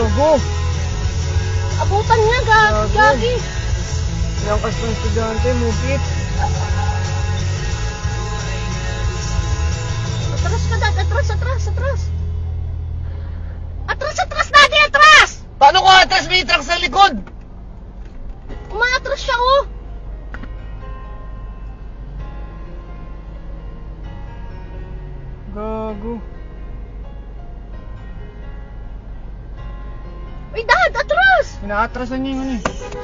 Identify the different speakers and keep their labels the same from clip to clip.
Speaker 1: Gago.
Speaker 2: Abutan niya, gagi.
Speaker 1: Yung kastong estudyante, mukit.
Speaker 2: Atras ka, Dad. Atras. Atras, Daddy, atras!
Speaker 1: Paano ko atras? May truck sa likod.
Speaker 2: Umaatras siya, oh.
Speaker 1: Gago.
Speaker 2: Uy, Dad, atras!
Speaker 1: Inaatrasan niya yung ano eh.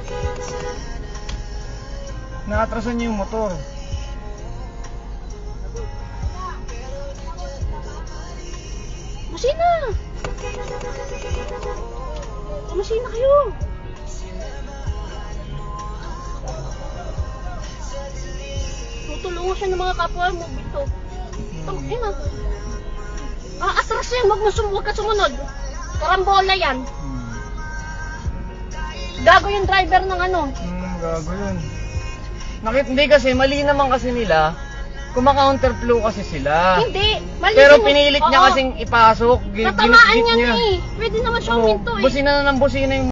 Speaker 1: Inaatrasan niya yung motor.
Speaker 2: Masina! Masina kayo! Tutulungan siya ng mga kapwa mo dito. Ina. Atras yan, huwag ka sumunod. Karambola yan. Gago yung driver ng ano.
Speaker 1: Gago yun. Hindi kasi, mali naman kasi nila. Kumaka-counterflow kasi sila.
Speaker 2: Hindi, mali.
Speaker 1: Pero pinilit niya kasing ipasok.
Speaker 2: Natamaan niya eh. Pwede naman siyang minto eh.
Speaker 1: Busina na ng busina yung